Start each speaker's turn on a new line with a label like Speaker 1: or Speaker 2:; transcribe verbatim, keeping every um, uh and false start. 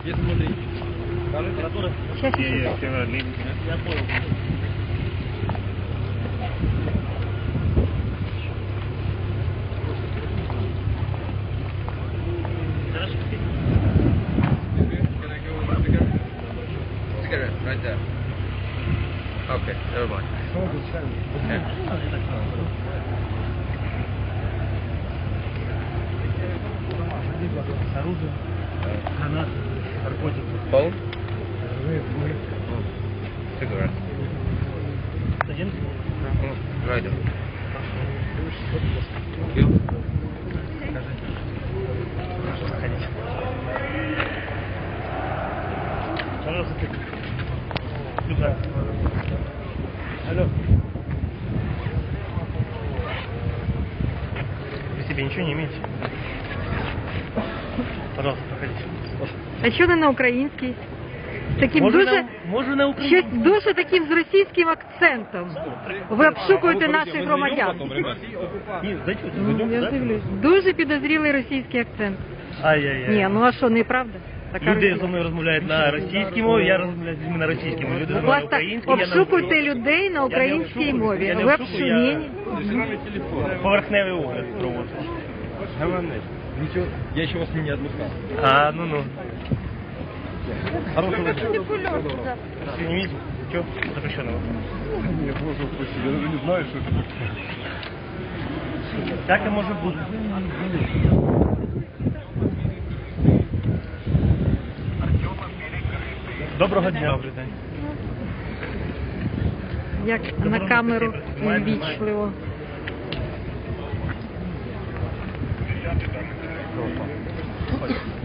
Speaker 1: Есть смотри.
Speaker 2: Сейчас, сейчас.
Speaker 1: Я понял. Cigarette, right there. Okay, never mind.
Speaker 3: Оружие, гранаты, наркотики.
Speaker 1: Phone? Cigarette.
Speaker 3: Один?
Speaker 1: Right there. You?
Speaker 3: Заходите. Пожалуйста, ты. Сюда. Алло. Вы себе ничего не имеете? Пожалуйста, проходите.
Speaker 2: А що не на українській? Таким
Speaker 3: Може
Speaker 2: дуже,
Speaker 3: на, може на
Speaker 2: щось
Speaker 3: українській.
Speaker 2: дуже таким з російським акцентом. Ви обшукуєте наших громадян.
Speaker 3: Ні, зайдіть,
Speaker 2: Ну,
Speaker 3: зайдемо,
Speaker 2: я
Speaker 3: да?
Speaker 2: дивлюсь. Дуже підозрілий російський акцент.
Speaker 3: Ай-яй-яй.
Speaker 2: Ні, ну а що, неправда? Така
Speaker 3: Люди
Speaker 2: Росія.
Speaker 3: зі мною розмовляють на російській мові, я розмовляю з людьми на російській мові. Люди
Speaker 2: Будь
Speaker 3: розмовляють
Speaker 2: ласка,
Speaker 3: українською, я на
Speaker 2: обшукуйте людей на українській
Speaker 3: Я не
Speaker 2: мові.
Speaker 3: обшукую, я не
Speaker 2: Ви
Speaker 3: обшукую, я-
Speaker 2: обшукуєте.
Speaker 3: поверхневий огляд проводжу.
Speaker 1: Ничего, я еще вас не отпускал.
Speaker 3: А, ну-ну.
Speaker 1: Хорошего вечера.
Speaker 3: Снимите. Чё? Запрещенного.
Speaker 1: Я просто спросил, я даже не знаю, что это такое.
Speaker 3: Так і може бути. Доброго дня. Добрий день.
Speaker 2: Як на камеру ввічливо.
Speaker 3: Ходь.